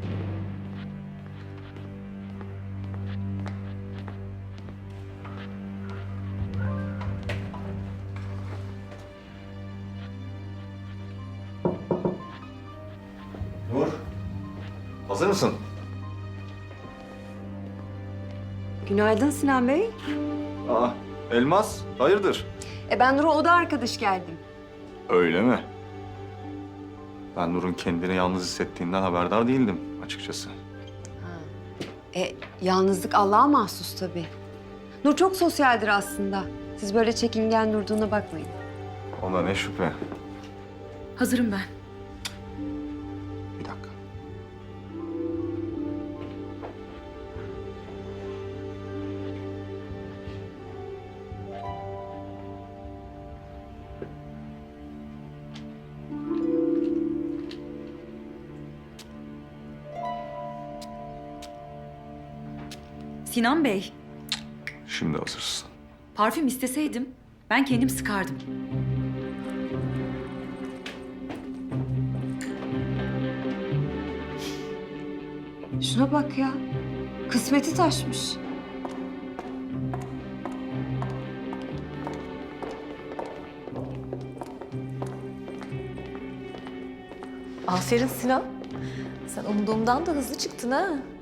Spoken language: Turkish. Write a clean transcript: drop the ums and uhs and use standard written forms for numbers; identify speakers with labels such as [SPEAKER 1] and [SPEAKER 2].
[SPEAKER 1] Nur, hazır mısın?
[SPEAKER 2] Günaydın Sinan Bey.
[SPEAKER 1] Aa, Elmas, hayırdır?
[SPEAKER 2] Ben Nur'a oda arkadaş geldim.
[SPEAKER 1] Öyle mi? Ben Nur'un kendini yalnız hissettiğinden haberdar değildim açıkçası.
[SPEAKER 2] Yalnızlık Allah'a mahsus tabii. Nur çok sosyaldir aslında. Siz böyle çekingen durduğuna bakmayın.
[SPEAKER 1] Ona ne şüphe.
[SPEAKER 3] Hazırım ben.
[SPEAKER 1] Bir dakika.
[SPEAKER 3] Sinan Bey,
[SPEAKER 1] Şimdi hazırsın.
[SPEAKER 3] parfüm isteseydim ben kendim sıkardım.
[SPEAKER 2] Şuna bak ya. Kısmeti taşmış.
[SPEAKER 4] Aferin Sinan. Sen umduğumdan da hızlı çıktın ha.